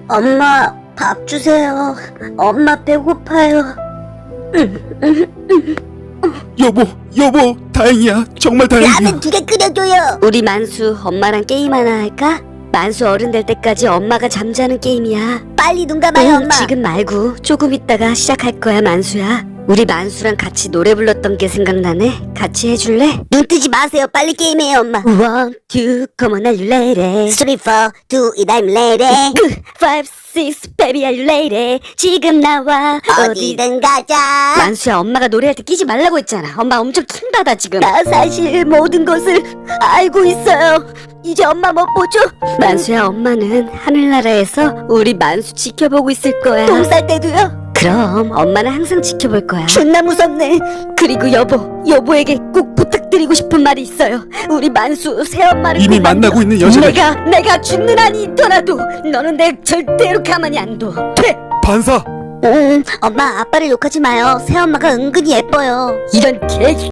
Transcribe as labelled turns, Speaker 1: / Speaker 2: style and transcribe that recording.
Speaker 1: 엄마, 밥 주세요. 엄마 배고파요.
Speaker 2: 여보, 다행이야. 정말 다행이야.
Speaker 1: 라면 2개 끓여줘요. 우리 만수 엄마랑 게임 하나 할까? 만수 어른 될 때까지 엄마가 잠자는 게임이야. 빨리 눈 감아요, 엄마. 지금 말고 조금 있다가 시작할 거야, 만수야. 우리 만수랑 같이 노래 불렀던 게 생각나네. 같이 해줄래? 눈 뜨지 마세요. 빨리 게임해요, 엄마. 1, 2, come on, are you ready? 3, 4, do it, I'm ready. 5, 6, baby, are you ready? 지금 나와 어디든 가자. 만수야, 엄마가 노래할 때 끼지 말라고 했잖아. 엄마 엄청 킹받아 지금. 나 사실 모든 것을 알고 있어요. 이제 엄마 못 보죠? 만수야, 엄마는 하늘나라에서 우리 만수 지켜보고 있을 거야. 똥 쌀 때도요? 그럼 엄마는 항상 지켜볼 거야. 존나 무섭네. 그리고 여보에게 꼭 부탁드리고 싶은 말이 있어요. 우리 만수 새엄마를
Speaker 2: 이미 만나고 있는 여자를.
Speaker 1: 내가 죽는 한이 있더라도 너는 내 절대로 가만히 안 둬. 돼.
Speaker 2: 반사.
Speaker 1: 엄마 아빠를 욕하지 마요. 새엄마가 은근히 예뻐요. 이런 개